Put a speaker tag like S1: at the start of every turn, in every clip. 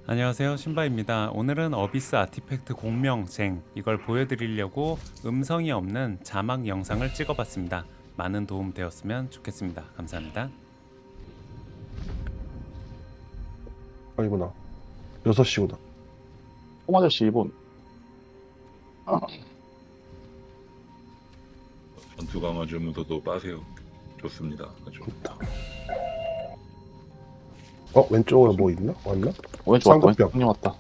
S1: 안녕하세요, 신바입니다. 오늘은 어비스 아티팩트 공명쟁 이걸 보여드리려고 음성이 없는 자막 영상을 찍어봤습니다. 많은 도움 되었으면 좋겠습니다. 감사합니다.
S2: 아니구나. 6시구나.
S3: 뽕아저씨 일본.
S4: 전투 강화 주문서도 빠세요. 좋습니다. 아주.
S2: 좋다. 왼쪽에 뭐 있나? 왔나?
S3: 왼쪽 왔다.
S2: 쌍꺼병.
S3: 왼쪽 왔다.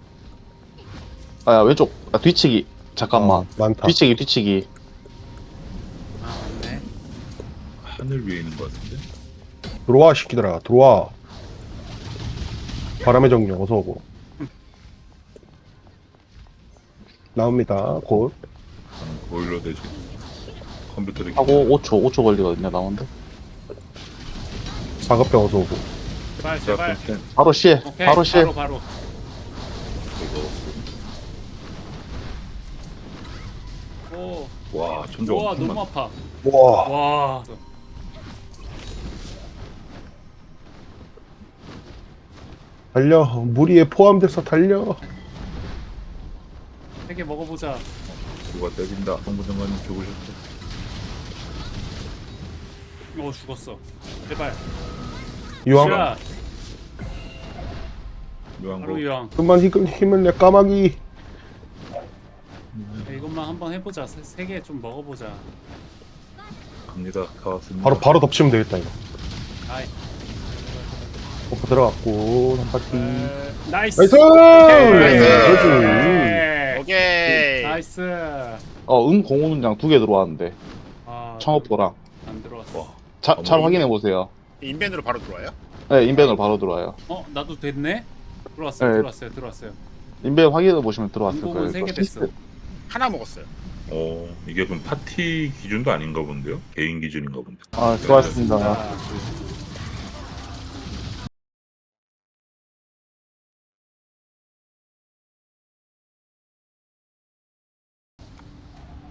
S3: 아야 왼쪽. 뒤치기. 잠깐만.
S2: 많다.
S3: 뒤치기.
S1: 아, 맞네.
S4: 하늘 위에 있는 것 같은데?
S2: 들어와, 시키더라. 들어와. 바람의 정령 어서 오고. 나옵니다. 곧.
S4: 보일러 대지. 컴퓨터를
S3: 하고 5초 걸리거든요. 나오는데.
S2: 사급병 어서 오고.
S1: 제발, 제발.
S3: 바로 시에.
S1: 오케이,
S3: 바로 시에.
S1: 바로. 오,
S4: 와, 천정
S1: 우와,
S4: 엄청
S1: 너무
S4: 많다.
S1: 아파.
S2: 와.
S1: 와.
S2: 달려. 무리에 포함돼서 달려.
S1: 3개 먹어보자.
S4: 누가 때린다. 홍보장관님 죽으셨죠?
S1: 죽었어. 제발.
S2: 이왕.
S1: 자,
S4: 묘한 거
S1: 바로 유황.
S2: 그만 힘을 내 까마귀.
S1: 이것만 한번 해보자. 3개 좀 먹어보자.
S4: 갑니다. 다 왔습니다.
S2: 바로 덮치면 되겠다, 이거.
S1: 아이.
S2: 버프 들어갔고, 한 바퀴.
S1: 나이스.
S2: 나이스! 그렇지.
S1: 오케이. 나이스.
S3: 공운장 2개 들어왔는데.
S1: 아,
S3: 청업도랑.
S1: 안 들어왔어.
S4: 와,
S3: 잘 확인해 보세요.
S5: 인벤으로 바로 들어와요?
S3: 네, 인벤으로 바로 들어와요.
S1: 나도 됐네. 들어왔어요.
S3: 네.
S1: 들어왔어요.
S3: 인벤 확인해 보시면 들어왔을
S1: 인공은
S3: 거예요.
S1: 3개 됐어.
S5: 하나 먹었어요.
S4: 이게 그럼 파티 기준도 아닌가 본데요? 개인 기준인가 본데.
S3: 수고하셨습니다.
S1: 아,